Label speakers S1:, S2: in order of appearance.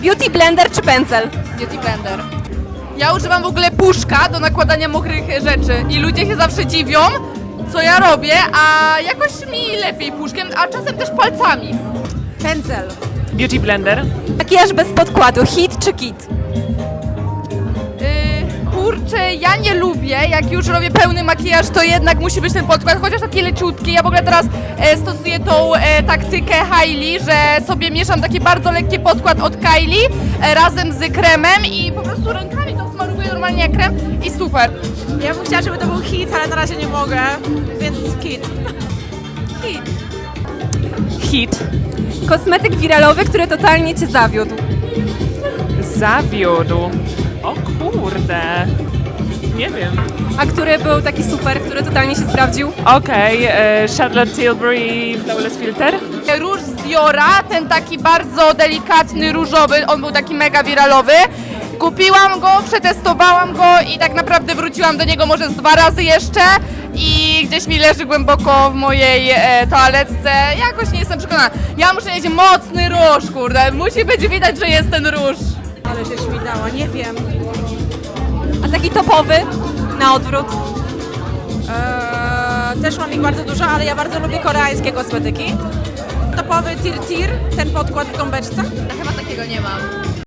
S1: Beauty blender czy pędzel?
S2: Beauty blender. Ja używam w ogóle puszka do nakładania mokrych rzeczy i ludzie się zawsze dziwią, co ja robię, a jakoś mi lepiej puszkiem, a czasem też palcami.
S1: Pędzel.
S3: Beauty blender.
S1: Makijaż bez podkładu, hit czy kit?
S2: Kurczę, ja nie lubię, jak już robię pełny makijaż, to jednak musi być ten podkład, chociaż taki leciutki. Ja w ogóle teraz stosuję tą taktykę Hailey, że sobie mieszam taki bardzo lekki podkład od Kylie razem z kremem i po prostu rękami to smaruję normalnie jak krem i super.
S4: Ja bym chciała, żeby to był hit, ale na razie nie mogę, więc hit.
S2: Hit.
S3: Hit.
S1: Kosmetyk wiralowy, który totalnie cię zawiódł.
S3: Zawiódł. O kurde. Nie wiem.
S1: A który był taki super, który totalnie się sprawdził?
S3: Okej, Charlotte Tilbury Flawless Filter.
S2: Róż z Diora, ten taki bardzo delikatny różowy, on był taki mega wiralowy. Kupiłam go, przetestowałam go i tak naprawdę wróciłam do niego może z 2 razy jeszcze i gdzieś mi leży głęboko w mojej toaletce. Jakoś nie jestem przekonana. Ja muszę mieć mocny róż, kurde. Musi być widać, że jest ten róż.
S4: Ale się śmigała, nie wiem.
S1: A taki topowy, na odwrót.
S4: Też mam ich bardzo dużo, ale ja bardzo lubię koreańskie kosmetyki. Topowy Tir Tir, ten podkład w gąbeczce.
S2: Ja chyba takiego nie mam.